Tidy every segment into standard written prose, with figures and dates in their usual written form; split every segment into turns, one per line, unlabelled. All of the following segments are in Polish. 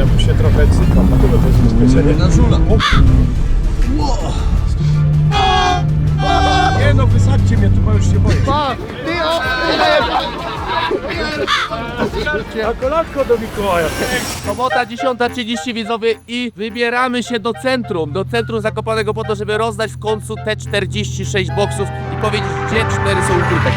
ja tu się trochę cykam, na kogo to jest ubezpieczenie?
Na żula.
Nie no, wysadźcie mnie tu, bo już się boję. Na kolanko do Mikołaja.
Sobota 10:30 widzowie i wybieramy się do centrum Zakopanego po to, żeby rozdać w końcu te 46 boksów i powiedzieć, gdzie 4 są ukryte.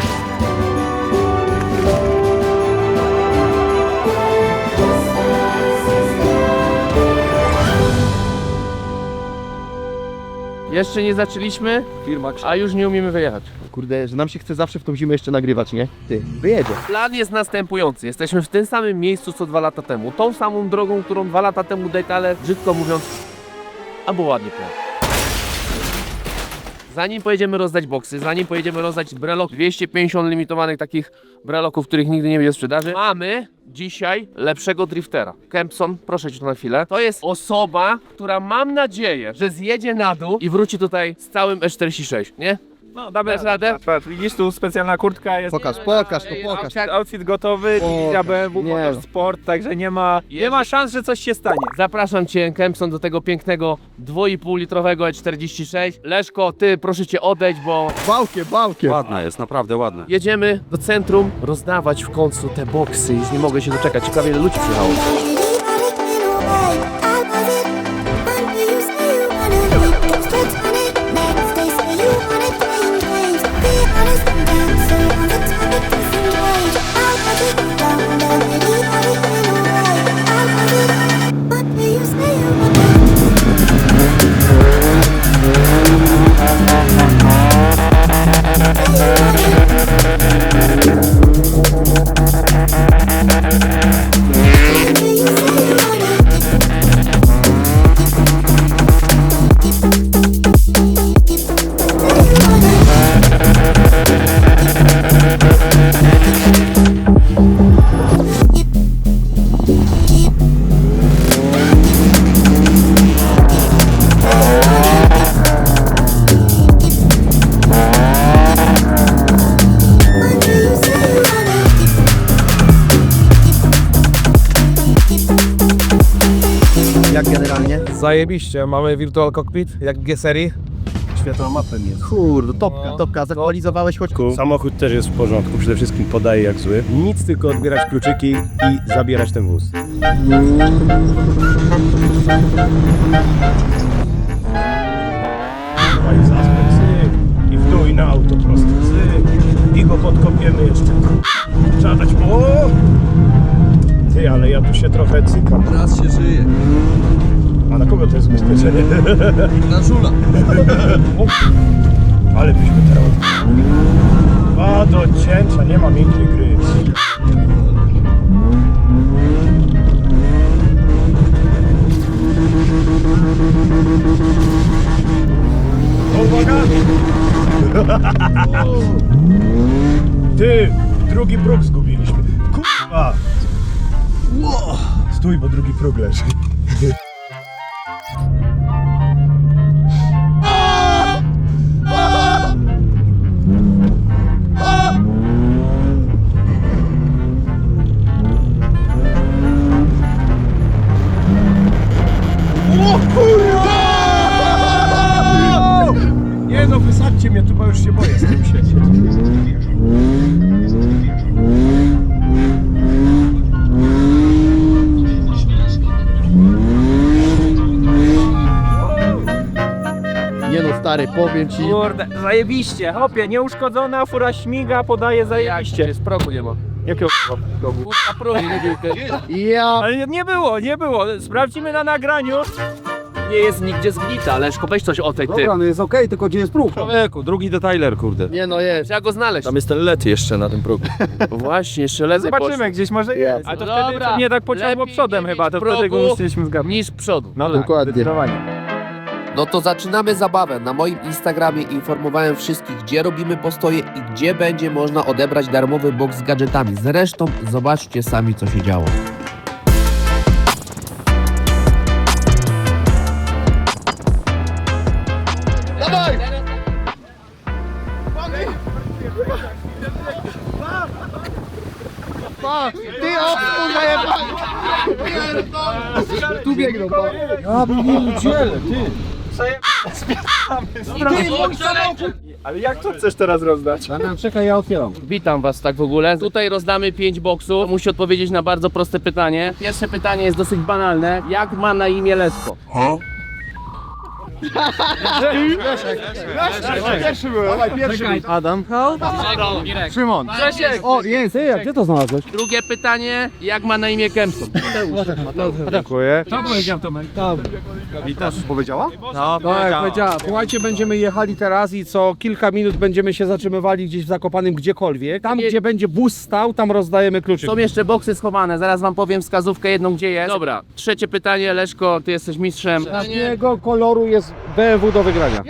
Jeszcze nie zaczęliśmy, a już nie umiemy wyjechać.
Kurde, że nam się chce zawsze w tą zimę jeszcze nagrywać, nie? Ty, wyjedzie.
Plan jest następujący. Jesteśmy w tym samym miejscu co 2 lata temu. Tą samą drogą, którą 2 lata temu detale, brzydko mówiąc, albo ładnie powiem. Zanim pojedziemy rozdać boksy, zanim pojedziemy rozdać brelok, 250 limitowanych takich breloków, których nigdy nie będzie w sprzedaży, mamy dzisiaj lepszego driftera. Kempson, proszę cię tu na chwilę. To jest osoba, która mam nadzieję, że zjedzie na dół i wróci tutaj z całym E46, nie?
No, damy
Dasz radę?
Widzisz, tu specjalna kurtka jest.
Pokaż, to pokaż.
Outfit gotowy, dywizja BMW,
Nie.
Motorsport, także nie ma szans, że coś się stanie.
Zapraszam cię, Kempson, do tego pięknego 2,5 litrowego E46. Leszko, ty proszę cię odejdź, bo
Bałkiem.
Ładna jest, naprawdę ładna.
jedziemy do centrum rozdawać w końcu te boksy. Już nie mogę się doczekać. Ciekawie ile ludzi przyjechało.
Jak generalnie?
Zajebiście, mamy Virtual Cockpit, jak w G-serii. Światłomapem jest.
Kurde, topka. Zaktualizowałeś choć...
Samochód też jest w porządku, przede wszystkim podaje jak zły. Nic, tylko odbierać kluczyki i zabierać ten wóz. I w dół i na auto prosto. I go podkopiemy jeszcze. Trzeba dać... O! Ty, ale ja tu się trochę cykam.
Raz się żyje.
A na kogo to jest ubezpieczenie?
Na żula.
Ale byśmy teraz... A do cięcia, nie ma miękkiej gry. Uwaga! Ty, drugi próg zgubiliśmy. Kurwa! Stój, bo drugi próg leży. Nie no, wysadźcie mnie tu, bo już się boję z tym siedzieć.
Nie no stary, powiem ci.
Kurde, zajebiście, hopie, nieuszkodzona, fura śmiga, podaje zajebiście.
Jest progu nie ma.
Jakiego progu?
Kurwa progu,
Ja...
Ale nie było, sprawdzimy na nagraniu.
nie jest nigdzie zgnita. Leszko, weź coś o tej ty.
no jest okej, tylko gdzie jest próg? Człowieku, drugi detailer, kurde.
Nie no jest.
Trzeba go znaleźć.
Tam jest ten LED jeszcze na tym progu.
Właśnie, jeszcze lezy
Zobaczymy, gdzieś może jest. A to wtedy nie tak pociągło
lepiej
przodem
nie
chyba,
mieć
to wtedy go
progu
musieliśmy zgadnąć.
niż przodu.
No tak,
Dokładnie.
zdecydowanie.
No to zaczynamy zabawę. Na moim Instagramie informowałem wszystkich, gdzie robimy postoje i gdzie będzie można odebrać darmowy box z gadżetami. Zresztą zobaczcie sami, co się działo.
Ty o kurwa jebany! Tu biegną,
Ale jak to chcesz teraz rozdać?
Witam was tak w ogóle. Tutaj rozdamy 5 boksów. Musi odpowiedzieć na bardzo proste pytanie. Pierwsze pytanie jest dosyć banalne. Jak ma na imię Leszko?
Pierwszy byłem. Dawaj, pierwszy. Adam. Szymon.
Grzesiek!
O, jest, a gdzie to znalazłeś?
Drugie pytanie. Jak ma na imię Kempson?
Dziękuję.
Co powiedział Tomek?
Witasz, powiedziała?
No,
Powiedziała, słuchajcie, będziemy jechali teraz i co kilka minut będziemy się zatrzymywali gdzieś w Zakopanem gdziekolwiek. Tam, gdzie będzie wóz stał, tam rozdajemy kluczyk.
Są jeszcze boksy schowane. Zaraz wam powiem wskazówkę jedną, gdzie jest. Dobra. Trzecie pytanie. Leszko, ty jesteś mistrzem.
Jakiego koloru jest BMW do wygrania?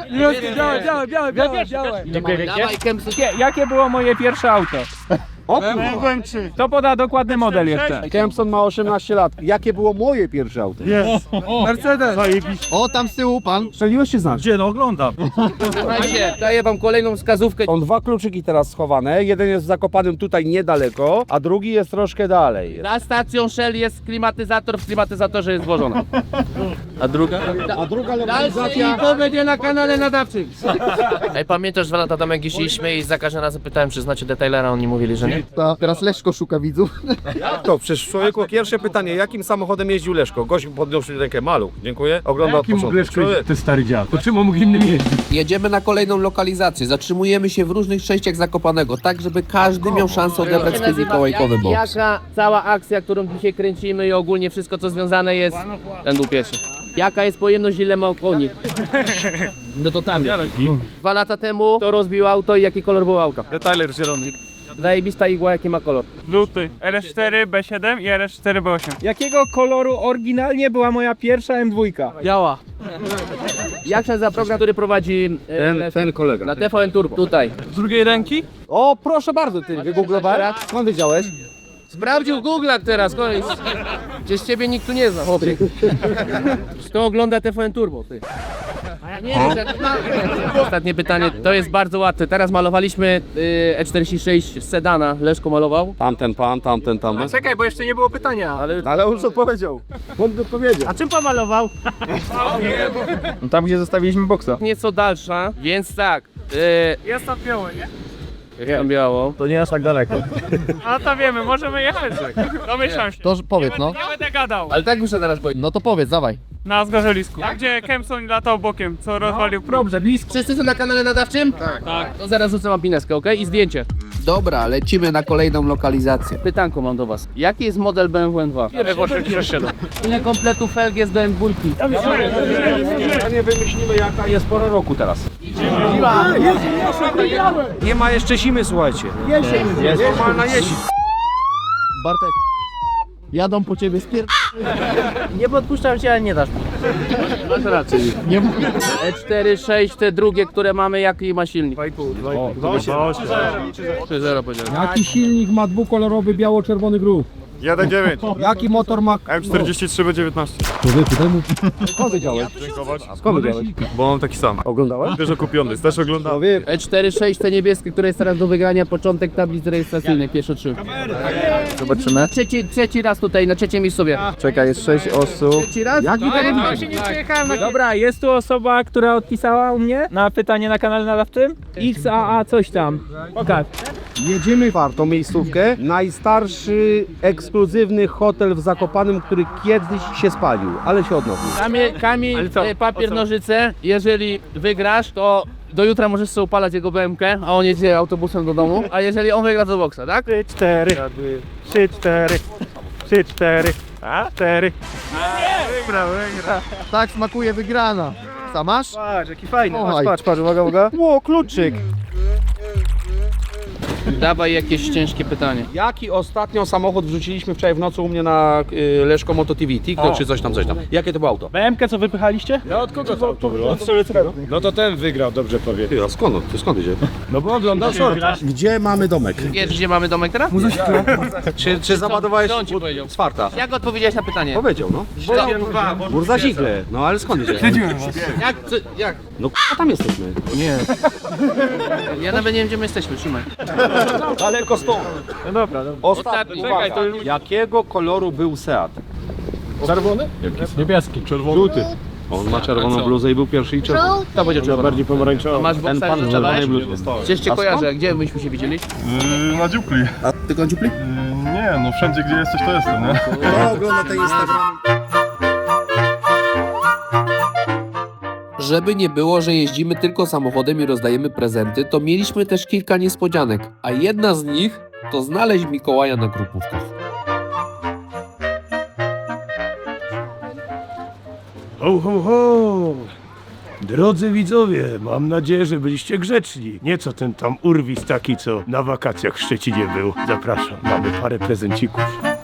białe.
Dawaj, Kempson.
Jakie było moje pierwsze auto?
O,
To poda dokładny model jeszcze.
Kempson ma 18 lat. Jakie było moje pierwsze auto?
Mercedes.
O, tam z tyłu pan.
Strzeliłeś czy znasz?
Gdzie? No oglądam.
Słuchajcie, daję wam kolejną wskazówkę.
Są dwa kluczyki teraz schowane. Jeden jest w Zakopanem tutaj niedaleko, a drugi jest troszkę dalej.
Za stacją Shell jest klimatyzator, w klimatyzatorze jest włożona. A druga?
A druga
Dalsze info będzie na kanale nadawczym. Ej, pamiętasz 2 lata temu jak jeździliśmy i za każdym razem pytałem, czy znacie detailera, oni mówili, że nie.
Teraz Leszko szuka widzów.
To przecież człowieku, pierwsze pytanie, jakim samochodem jeździł Leszko? Gość podniósł rękę, maluch. Dziękuję. Ogląda od początku. Człowiek.
Ty stary dziad. To czym on mógł innym jeździć?
Jedziemy na kolejną lokalizację. Zatrzymujemy się w różnych częściach Zakopanego, tak żeby każdy miał szansę odebrać swój mikołajkowy boks.
Jaka cała akcja, którą dzisiaj kręcimy i ogólnie wszystko co związane jest... Ten był pierwszy. Jaka jest pojemność, ile ma koni? No to tam jest. 2 lata temu to rozbił auto i jaki kolor był auta?
Detailer zielony.
Zajebista igła, jaki ma kolor?
Luty. RS4 B7 i RS4 B8. Jakiego koloru oryginalnie była moja pierwsza M2?
Biała. Jak się nazywa program, który prowadzi
Ten kolega.
na TVN Turbo? Tutaj.
Z drugiej ręki?
O, proszę bardzo, ty wygooglowałeś? Skąd wiedziałeś?
Sprawdził Google teraz, kolej. Przecież ciebie nikt tu nie zna, chłopie. Kto ogląda TVN Turbo, ty? Nie, ostatnie pytanie, to jest bardzo łatwe. Teraz malowaliśmy E46 z sedana, Leszko malował.
Tamten pan, tamten.
Czekaj, bo jeszcze nie było pytania.
Ale on co powiedział? On powiedział.
A czym pomalował?
No tam, gdzie zostawiliśmy boksa.
Nieco dalsza, więc tak.
Jest to białe, nie?
Tam biało.
To nie aż tak daleko.
A to wiemy, możemy jechać. Domyślam się.
To powiedz, no.
Nie będę gadał.
Ale tak muszę teraz powiedzieć.
No to powiedz, dawaj.
Na zgorzelisku. Gdzie Kempson latał bokiem, co rozwalił prób.
Dobrze, blisko. Wszyscy są na kanale nadawczym? Tak. To zaraz rzucę wam pineskę, okej? I zdjęcie.
Dobra, lecimy na kolejną lokalizację.
Pytanko mam do was. Jaki jest model BMW M2? Ile kompletów felg jest do M2?
Nie wymyślimy jaka jest pora roku teraz. Nie ma jeszcze zimy, słuchajcie. Jest normalna jesień.
Bartek. Jadą po ciebie
Nie podpuszczam cię, ale nie dasz. Masz rację.
Nie
E4, 6, te drugie, które mamy, jaki ma silnik? 3.0 powiedziałem.
Jaki silnik ma dwukolorowy biało-czerwony grób?
1.9.
Jaki motor ma...
M43 B19.
Człowieku, daj mu... Skąd wiedziałeś? Skąd wiedziałeś?
Bo mam taki sam.
Oglądałeś?
Też kupiony, też oglądałem.
E4, 6, te niebieskie, które jest teraz do wygrania, początek tablicy rejestracyjnej, pierwsze 3. Zobaczymy. Trzeci raz tutaj, na trzecim miejscu sobie.
Czekaj, jest 6 osób.
Trzeci raz?
Jaki
Dobra, jest tu osoba, która odpisała u mnie na pytanie na kanale nadawczym. XAA coś tam. Pokaż.
Jedziemy czwartą miejscówkę. Najstarszy, ekskluzywny hotel w Zakopanem, który kiedyś się spalił, ale się odnowił.
Kamień, papier, nożyce. Jeżeli wygrasz, to do jutra możesz sobie upalać jego BMK, a on jedzie autobusem do domu. A jeżeli on wygra, to boksa, tak?
4, 3, 4, 3, 4, a 4. Wygra.
Tak smakuje wygrana. Co masz?
Patrz, jaki fajny.
Oj.
Patrz, uwaga.
Ło, kluczyk!
Dawaj jakieś ciężkie pytanie.
Jaki ostatnio samochód wrzuciliśmy wczoraj w nocy u mnie na Leszko Moto TV? TikTok czy coś tam. Jakie to było auto?
BMK co wypychaliście?
Ja od kogo to auto było? No to ten wygrał, dobrze powie.
Ty, a skąd idzie?
No bo oglądał short.
Gdzie mamy domek?
Wiesz, gdzie mamy domek teraz?
Czy załadowałeś
Co on ci powiedział?
z farta?
Jak odpowiedziałeś na pytanie?
Powiedział, no. Burza Zigle. No ale skąd idzie?
Jak?
No k***a tam jesteśmy.
Ja nawet nie wiem, gdzie my jesteśmy, trzymaj.
Daleko stąd.
No dobra.
Ostatni.
Czekaj,
Uwaga. Jakiego koloru był Seat?
Czerwony?
Jakiś niebieski.
Żółty. On ma czerwoną bluzę i był pierwszy i czerwony.
To będzie czerwony.
Bardziej pomarańczowy.
Masz boksa
Ten pan w czerwonej bluzie.
Gdzieś cię kojarzę, gdzie myśmy się widzieli?
Na dziupli.
A tylko dziupli?
Nie, no wszędzie gdzie jesteś to jestem, nie?
No, ogląda ten Instagram.
Żeby nie było, że jeździmy tylko samochodem i rozdajemy prezenty, to mieliśmy też kilka niespodzianek, a jedna z nich to znaleźć Mikołaja na grupówkach.
Ho, ho, ho! Drodzy widzowie, mam nadzieję, że byliście grzeczni. Nie co ten tam urwis taki, co na wakacjach w Szczecinie był. Zapraszam, mamy parę prezencików.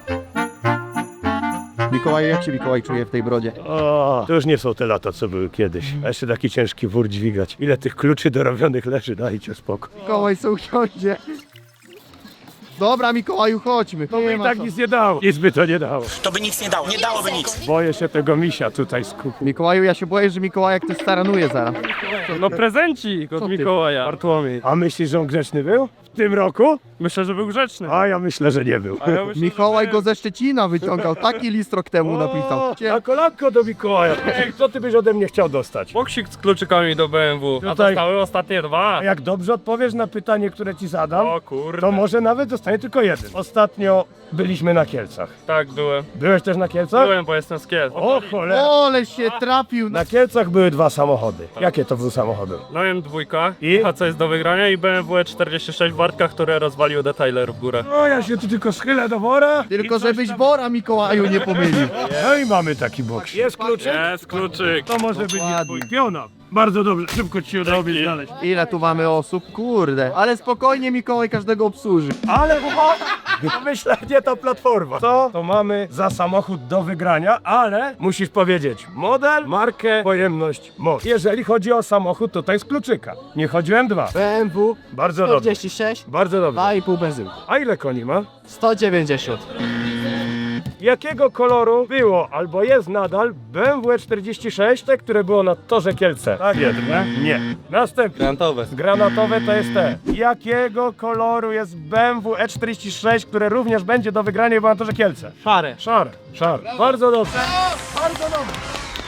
Mikołaj, jak się Mikołaj czuje w tej brodzie?
O, to już nie są te lata, co były kiedyś. A jeszcze taki ciężki wór dźwigać. Ile tych kluczy dorobionych leży, dajcie spokój.
Mikołaj se usiądzie. Dobra, Mikołaju, chodźmy.
To by i tak nic nie dało. Nic by to nie dało.
To by nic nie dało, nie dałoby nic.
Boję się tego misia tutaj skupić.
Mikołaju, ja się boję, że Mikołajek też staranuje zaraz.
No prezencik od Mikołaja.
Bartłomiej. A myślisz, że on grzeczny był? W tym roku?
Myślę, że był grzeczny.
A ja myślę, że nie był.
Mikołaj go ze Szczecina wyciągał, taki list rok temu napisał.
Na kolanko do Mikołaja. Ej, co ty byś ode mnie chciał dostać?
Boksik z kluczykami do BMW. A
Tutaj-
zostały ostatnie dwa.
A jak dobrze odpowiesz na pytanie, które ci zadam,
O kurde.
to może nawet dostanie tylko jeden. Ostatnio byliśmy na Kielcach.
Tak, byłem.
Byłeś też na Kielcach?
Byłem, bo jestem z Kiel.
O cholera.
Ole się trafił.
Na Kielcach były dwa samochody. Jakie to były samochody?
No M2
I?
a co jest do wygrania i BMW 46 Bartka, które rozwalił detailer w górę.
No ja się tu tylko schylę do wora.
Tylko
i coś
żebyś
tam-
Bora Mikołaju nie pomylił.
No i mamy taki boks. Jest kluczyk?
Jest kluczyk.
To może być
Dokładnie.
twój piona. Bardzo dobrze, szybko ci się udało mnie znaleźć.
Ile tu mamy osób? Kurde. Ale spokojnie Mikołaj każdego obsłuży.
Ale myślę, nie ta platforma. Co to mamy za samochód do wygrania, ale musisz powiedzieć model, markę, pojemność, moc. Jeżeli chodzi o samochód, to jest kluczyka. Nie chodzi o M2.
BMW
Bardzo dobrze.
46,
Bardzo dobrze.
2,5 benzyny.
A ile koni ma?
190.
Jakiego koloru było albo jest nadal BMW 46, te, które było na torze Kielce? Tak jest, nie? Nie. Następne.
Granatowe.
Granatowe to jest te. Jakiego koloru jest BMW E46, które również będzie do wygrania było na torze Kielce?
Szare.
Szare. Szare. Bardzo dobrze. Bardzo dobrze.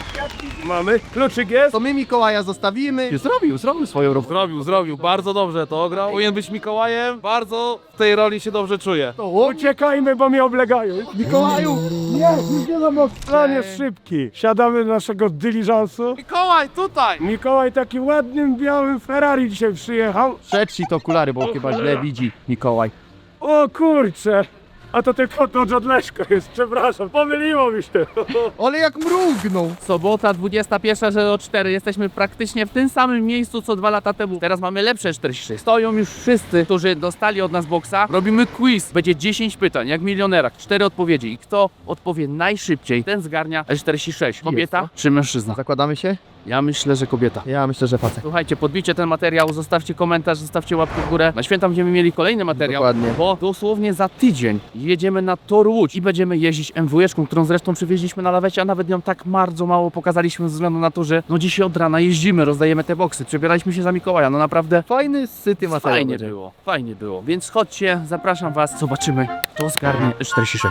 Mamy. Kluczyk jest.
To my Mikołaja zostawimy. Zrobił swoją robotę.
Zrobił, bardzo dobrze to ograł. Powinien być Mikołajem, bardzo w tej roli się dobrze czuje.
Uciekajmy, bo mnie oblegają.
Mikołaju!
Nie no, plan jest szybki. Siadamy do naszego dyliżansu.
Mikołaj, tutaj!
Mikołaj taki ładnym, białym Ferrari dzisiaj przyjechał.
Przetrzyj te okulary, bo chyba źle widzi Mikołaj.
O kurcze. A to tylko to od Leszko jest, przepraszam, pomyliło mi się.
Ale jak mrugnął.
Sobota 21:04. Jesteśmy praktycznie w tym samym miejscu co 2 lata temu. Teraz mamy lepsze 46. Stoją już wszyscy, którzy dostali od nas boksa. Robimy quiz. Będzie 10 pytań, jak w milionerach. 4 odpowiedzi. I kto odpowie najszybciej, ten zgarnia E46. Kobieta czy mężczyzna?
Zakładamy się?
Ja myślę, że kobieta.
Ja myślę, że facet.
Słuchajcie, podbijcie ten materiał, zostawcie komentarz, zostawcie łapkę w górę. Na święta będziemy mieli kolejny materiał,
Dokładnie.
bo dosłownie za tydzień jedziemy na Tor Łódź i będziemy jeździć MW-eczką, którą zresztą przywieźliśmy na lawecie, a nawet ją tak bardzo mało pokazaliśmy ze względu na to, że no dzisiaj od rana jeździmy, rozdajemy te boksy, przebieraliśmy się za Mikołaja, no naprawdę
Fajny, syty materiał.
fajnie było, więc chodźcie, zapraszam was, zobaczymy, kto zgarnie 46.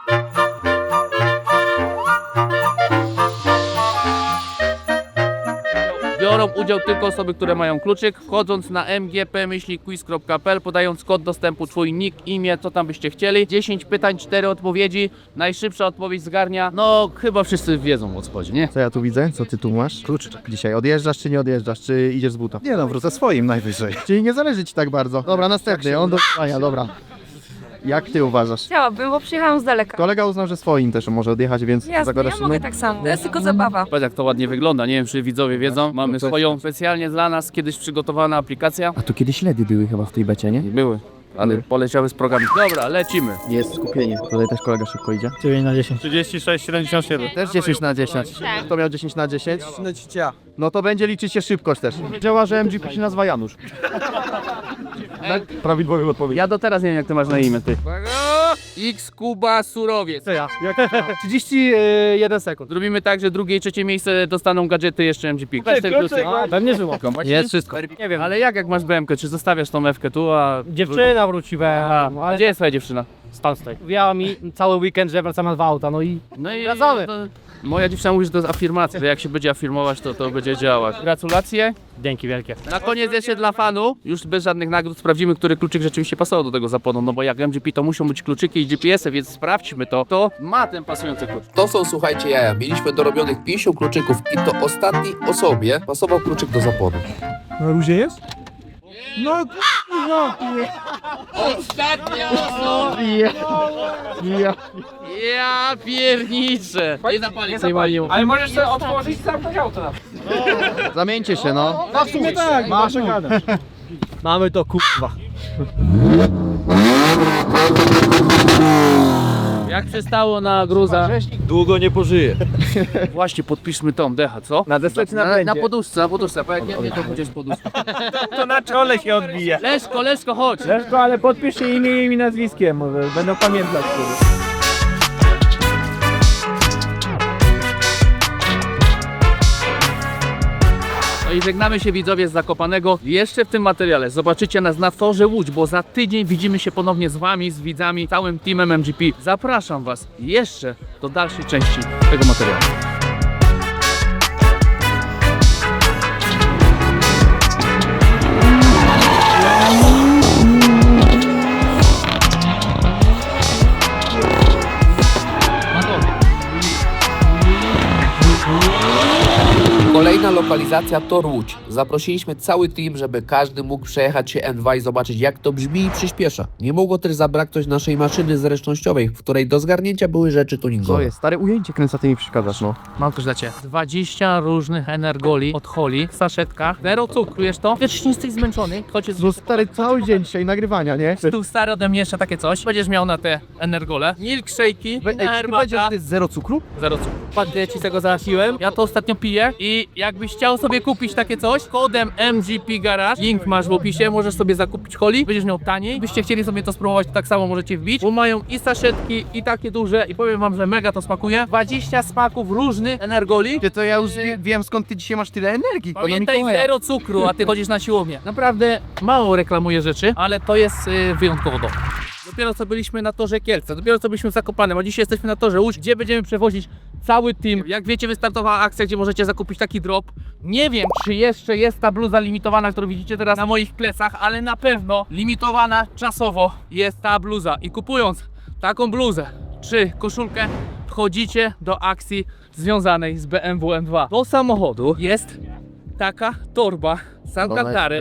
Biorą udział tylko osoby, które mają kluczyk, wchodząc na mgp-quiz.pl, podając kod dostępu, twój nick, imię, co tam byście chcieli. 10 pytań, 4 odpowiedzi, najszybsza odpowiedź zgarnia, no chyba wszyscy wiedzą o co chodzi, nie?
Co ja tu widzę? Co ty tu masz? Kluczyczek. Dzisiaj odjeżdżasz czy nie odjeżdżasz? Czy idziesz z buta?
Nie no, wrócę swoim najwyżej.
Czyli nie zależy ci tak bardzo. Dobra, następny. On do pytania, dobra. Jak ty uważasz?
Chciałabym, bo przyjechałam z daleka.
Kolega uznał, że swoim też może odjechać, więc
Jasne,
zagadasz
ja mogę tak samo. To jest tylko zabawa.
Patrz jak to ładnie wygląda, nie wiem czy widzowie wiedzą, mamy swoją specjalnie dla nas kiedyś przygotowana aplikacja.
A tu kiedyś LEDy były chyba w tej becie, nie?
Były, ale poleciały z programu. Dobra, lecimy.
Jest skupienie. Tutaj też kolega szybko idzie.
9 na 10.
36, 77.
Też 10 na 10.
Tak.
Kto miał 10 na 10? No to będzie liczyć się szybkość też.
Działa, że MGP się nazywa Janusz.
Prawidłowy odpowiedź.
Ja do teraz nie wiem jak ty masz na imię, ty. X Kuba Surowiec.
Co ja? 31 sekund.
Zrobimy tak, że drugie i trzecie miejsce dostaną gadżety jeszcze MGP. Weź ten plusek.
Pewnie żyło.
Jest wszystko.
Nie wiem, ale jak masz BMK, czy zostawiasz tą F-kę tu, a...
Dziewczyna wróci,
Aha, a gdzie jest twoja dziewczyna?
stoj. Mówiła mi cały weekend, że wracamy na 2 auta, no i wracamy.
Moja dziewczyna mówi, że to jest afirmacja, że jak się będzie afirmować, to będzie działać. Gratulacje.
Dzięki wielkie.
Na koniec jeszcze dla fanu, już bez żadnych nagród, sprawdzimy, który kluczyk rzeczywiście pasował do tego zaponu, no bo jak MGP to muszą być kluczyki i GPS-y, więc sprawdźmy to. To ma ten pasujący klucz.
To są, słuchajcie, jaja. Mieliśmy dorobionych 50 kluczyków i to ostatniej osobie pasował kluczyk do zaponu.
Na luzie jest? No
Ostatnia osoba! Ja pierniczę! Nie zapalię, zapalię.
Ale możesz sobie otworzyć sam auto na
Zamieńcie się, no.
w sumie tak, masz gadać.
Mamy to kurwa.
Jak przystało na gruza.
Długo nie pożyje.
Właśnie podpiszmy tą dechę, co?
Na desce czy na
Na
będzie?
poduszce, bo jak nie to będziesz poduszkę.
To na czole się odbije.
Leszko, chodź!
Leszko, ale podpisz się imieniem i nazwiskiem, może będą pamiętać. Kurde.
No i żegnamy się widzowie z Zakopanego. Jeszcze w tym materiale zobaczycie nas na torze Łódź, bo za tydzień widzimy się ponownie z wami, z widzami, całym teamem MGP. Zapraszam was jeszcze do dalszej części tego materiału.
Kolejna lokalizacja to Łódź. Zaprosiliśmy cały team, żeby każdy mógł przejechać się N2 i zobaczyć, jak to brzmi i przyspiesza. Nie mogło też zabraknąć naszej maszyny zręcznościowej, w której do zgarnięcia były rzeczy tuningowe.
Stare ujęcie kręca, ty mi przeszkadzasz, no.
Mam też dla ciebie 20 różnych energoli od Holi w saszetkach. Zero cukru, wiesz to? Wiesz, nie jesteś zmęczony, choć jest
No stary, cały dzień dzisiaj nagrywania, nie?
tu stary ode mnie jeszcze takie coś. Będziesz miał na te energole. Milkshake'i, herbata.
To jest zero cukru?
Zero cukru. Patrzcie, ja ci tego załatwiłem. Ja to ostatnio piję i jakbyś chciał sobie kupić takie coś, kodem MGP Garage, link masz w opisie, możesz sobie zakupić Holi, będziesz miał taniej. Byście chcieli sobie to spróbować, to tak samo możecie wbić, bo mają i saszetki, i takie duże i powiem wam, że mega to smakuje. 20 smaków różnych energoli.
To ja już wiem, skąd ty dzisiaj masz tyle energii.
Pamiętaj, zero cukru, a ty chodzisz na siłownię. Naprawdę mało reklamuję rzeczy, ale to jest wyjątkowo dobre. Dopiero co byliśmy na torze Kielce, dopiero co byliśmy w Zakopanem, a dzisiaj jesteśmy na torze Łódź, gdzie będziemy przewozić cały team. Jak wiecie, wystartowała akcja, gdzie możecie zakupić taki drop. Nie wiem, czy jeszcze jest ta bluza limitowana, którą widzicie teraz na moich plecach, ale na pewno limitowana czasowo jest ta bluza. I kupując taką bluzę czy koszulkę, wchodzicie do akcji związanej z BMW M2. Do samochodu jest taka torba z Alcantary.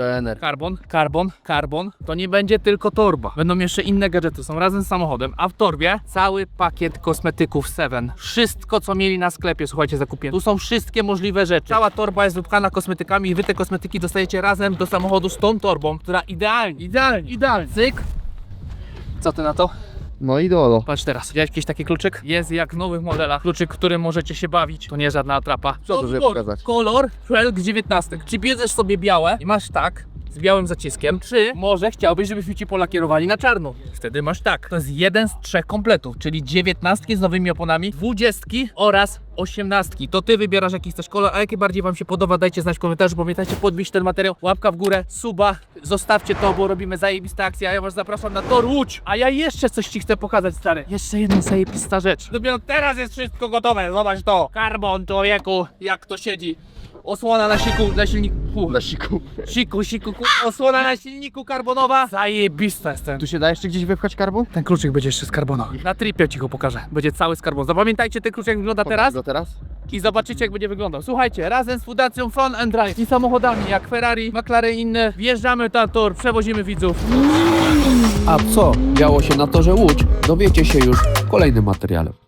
Carbon. To nie będzie tylko torba. Będą jeszcze inne gadżety, są razem z samochodem, a w torbie cały pakiet kosmetyków Seven. Wszystko, co mieli na sklepie, słuchajcie, zakupię. Tu są wszystkie możliwe rzeczy. Cała torba jest wypchana kosmetykami i wy te kosmetyki dostajecie razem do samochodu z tą torbą, która idealnie. Cyk. Co ty na to?
No i dolo.
Patrz teraz, widziałeś jakiś taki kluczyk? Jest jak w nowych modelach. Kluczyk, którym możecie się bawić. To nie żadna atrapa.
Co tu, żeby pokazać?
Kolor Felg 19. Czy bierzesz sobie białe i masz tak, z białym zaciskiem, czy może chciałbyś, żebyśmy ci polakierowali na czarno? Wtedy masz tak. To jest jeden z 3 kompletów, czyli 19 z nowymi oponami, 20 oraz 18. To ty wybierasz jaki chcesz kolor, a jaki bardziej wam się podoba, dajcie znać w komentarzu. Pamiętajcie podbić ten materiał, łapka w górę, suba, zostawcie to, bo robimy zajebiste akcje, a ja was zapraszam na tor Łódź. A ja jeszcze coś ci chcę pokazać, stary. Jeszcze jedna zajebista rzecz. Dopiero teraz jest wszystko gotowe, zobacz to. Carbon, człowieku, jak to siedzi. Osłona na siku, na silniku.
Na siku.
Siku, osłona na silniku karbonowa. Zajebista jest ten.
Tu się da jeszcze gdzieś wypchać karbon?
Ten kluczyk będzie jeszcze z karbona. Na tripie ci go pokażę. Będzie cały z karbonu. Zapamiętajcie ten kluczyk, jak wygląda teraz
Go teraz?
i zobaczycie, jak będzie wyglądał. Słuchajcie, razem z Fundacją Fun and Drive i samochodami jak Ferrari, McLaren i inne wjeżdżamy na tor, przewozimy widzów.
A co działo się na torze Łódź, dowiecie się już w kolejnym materiale.